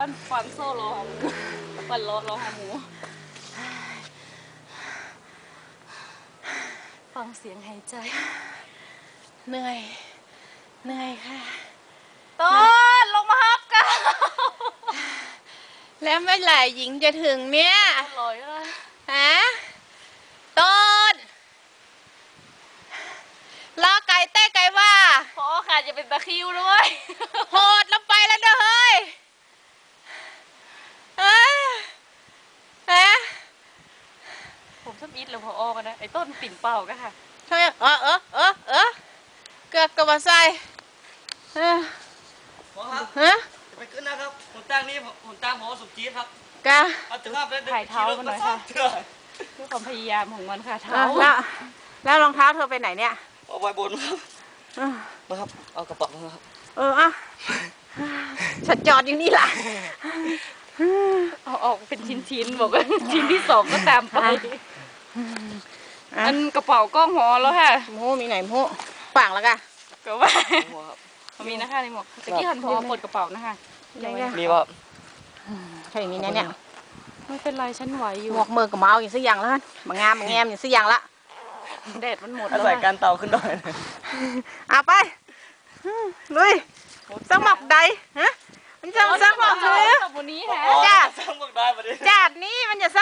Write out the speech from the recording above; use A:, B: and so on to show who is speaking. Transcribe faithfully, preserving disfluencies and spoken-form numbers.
A: นฟังโซ่รอหมูปั่นรถรอหมูฟังเสียงหายใจเหนื่อยเหนื่อยค่ะต้นลงมาฮับกัน
B: แล้วเมื่อไหร่หญิงจะถึงเนี่ย
A: ลอยแล้ว
B: ฮะต้นรอไก่เต้ไก่ว่า
A: พอค่ะจะเป็นตะคิวด้วย
B: โหดลงไปแล้วเด้อเฮ้ยเอ้ยฮะ
A: ผมชอบอีทเลยพออกันนะไอ้ต้นปิ่นเป่าก็ค่ะ
B: ทำไมเออเออเออเออเกือบกับว่าใส่เออ
C: หมอครับ
B: ฮะ
C: จะไปขึ้นนะครับผมตั้งนี่ผมตั้งหมอสุจี๊ดครับ
B: กะ
C: เอาถึงภาพแล้ว
A: ถ่ายเท้ามันหน่อยค่ะด้วยความพยายามของมันค่ะเท้า
B: แล้วแล้วรองเท้าเธอไปไหนเนี่ย
C: เอาไว้บนครับมาครับเอากระเป๋ามาครับ
B: เอออ่ะฉันจอดอยู่นี่แหละ
A: เอาออกเป็นชิ้นๆบอกว่าชิ้นที่สองก็ตามไปอันกระเป๋าก็หอแล้วค่ะ
B: โมมีไหนโมฝังแล้วกัน
A: ก็ว่ามีนะคะในหมวกตะกี้หันพอปลดกระเป๋านะคะ
C: มีว่า
B: ใช่มีแน่เนี่ย
A: ไม่เป็นไรฉันไหวอยู่
B: หมวกมือกับเมาอย่างสักอย่างแล้วบางงามบางแงมอย่างสักอย่างละ
A: แดดมันหมดแล้ว
C: ใส่การเตาขึ้นหน่อย
B: เอาไปลุยสักหมอกใดฮะมันจะสักหมอกเลย
A: วันนี้ฮะ
B: จัด
C: สักหมอกได้ประเดี๋ยว
B: จัดนี่มันจะ